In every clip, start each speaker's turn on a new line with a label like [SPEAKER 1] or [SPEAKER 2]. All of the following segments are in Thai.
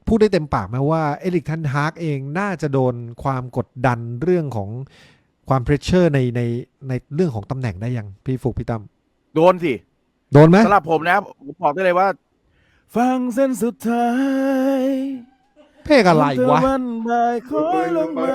[SPEAKER 1] พูดได้เต็มปากไหมว่าเอริกเทนฮากเองน่าจะโดนความกดดันเรื่องของความเพรสเชอร์ในเรื่องของตำแหน่งได้ยังพี่ฟุกพี่ตั้ม
[SPEAKER 2] โดนสิ
[SPEAKER 1] โดนไหม
[SPEAKER 2] สำหรับผมนะผมบอกได้เลยว่าฟังเส้นสุดท้าย
[SPEAKER 1] เพลงอะไรวะ
[SPEAKER 2] วันบ่ายคอยลงมา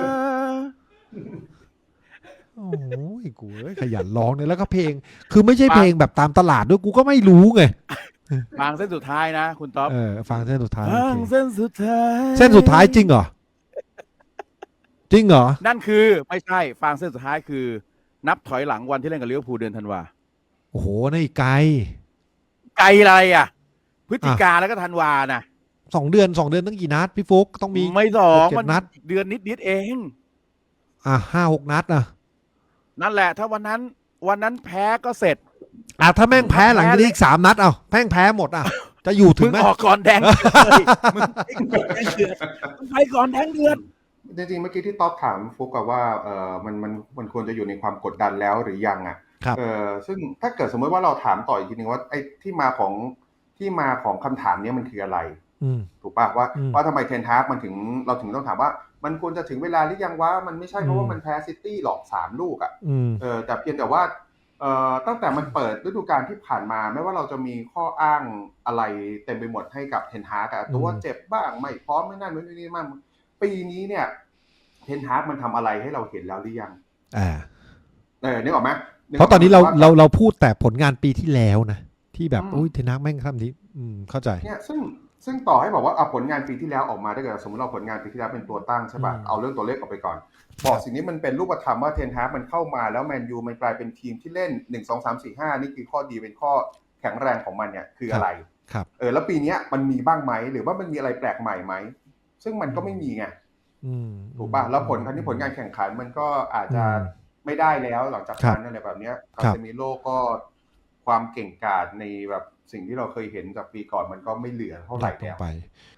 [SPEAKER 1] โอ้ยกูขยันร้องเนี่ยแล้วก็เพลงคือไม่ใช่เพลงแบบตามตลาดด้วยกูก็ไม่รู้ไง
[SPEAKER 2] ฟังเส้นสุดท้ายนะคุณต๊อบ
[SPEAKER 1] ฟังเส้นสุดท้าย
[SPEAKER 2] ฟังเส้นสุดท้าย
[SPEAKER 1] เส้นสุดท้ายจริงเหรอจริงเหรอ
[SPEAKER 2] นั่นคือไม่ใช่ฟังเส้นสุดท้ายคือนับถอยหลังวันที่เล่นกับลิเวอร์พูลเดือนธันวา
[SPEAKER 1] โอ้โหนี่อีกไกล
[SPEAKER 2] ไกลอะไรอ่ะพฤศจิกาแล้วก็ธันวานะ
[SPEAKER 1] 2 เดือนตั้งกี่นัดพี่ฟุกต้องมี
[SPEAKER 2] ไม่สอง
[SPEAKER 1] 7
[SPEAKER 2] มัน
[SPEAKER 1] นัด
[SPEAKER 2] เดือนนิดเอง
[SPEAKER 1] 5-6 นัด
[SPEAKER 2] นั่นแหละถ้าวันนั้นแพ้ก็เสร็จ
[SPEAKER 1] ถ้าแม่งแพ้หลังจากนี้อีก3 นัดแม่งแพ้หมดจะอยู่ถึงไหม
[SPEAKER 2] ออกก่อนแดงเลยมึงไปก่อนแดงเดือด
[SPEAKER 3] จริงๆเมื่อกี้ที่ต๊อบถามฟุกกับว่ามันควรจะอยู่ในความกดดันแล้วหรือยัง
[SPEAKER 1] ครับ
[SPEAKER 3] ซึ่งถ้าเกิดสมมติว่าเราถามต่ออีกทีนึงว่าไอ้ที่มาของคำถามนี้มันคืออะไรถูกป่ะว่าทำไมเทนฮากเราถึงต้องถามว่ามันควรจะถึงเวลาหรือยังวะมันไม่ใช่เพราะว่ามันแพ้ซิตี้หรอก3 ลูกแต่เพียงแต่ว่าตั้งแต่มันเปิดฤดูกาลที่ผ่านมาไม่ว่าเราจะมีข้ออ้างอะไรเต็มไปหมดให้กับเทนฮากตัวเจ็บบ้างไม่พร้อมไม่นั่นไม่นี่มั่งปีนี้เนี่ยเทนฮากมันทำอะไรให้เราเห็นแล้วหรือยังนึกออกไหม
[SPEAKER 1] เพราะตอนนี้เราพูดแต่ผลงานปีที่แล้วนะที่แบบอุ้ยเทนฮากแม่งทำนี้เข้าใจ
[SPEAKER 3] เนี่ยซึ่งต่อให้บอกว่าเอาผลงานปีที่แล้วออกมาได้เกิดสมมติเราผลงานปีที่แล้วเป็นตัวตั้งใช่ป่ะเอาเรื่องตัวเลขออกไปก่อนบอกสิ่งนี้มันเป็นรูปธรรมว่าเทนฮากมันเข้ามาแล้วแมนยูมันกลายเป็นทีมที่เล่น1 2 3 4 5นี่คือข้อดีเป็นข้อแข็งแรงของมันเนี่ยคืออะไร
[SPEAKER 1] ครับ
[SPEAKER 3] แล้วปีนี้มันมีบ้างไหมหรือว่ามันมีอะไรแปลกใหม่ไหมซึ่งมันก็ไม่มีไงถูกป่ะแล้วผลงานแข่งขันมันก็อาจจะไม่ได้แล้วหลังจากนั้นอะไรแบบนี้คาเซมิโร่ก็ความเก่งกาจในแบบสิ่งที่เราเคยเห็นจากปีก่อนมันก็ไม่เหลือเท่าไหร่แล้ว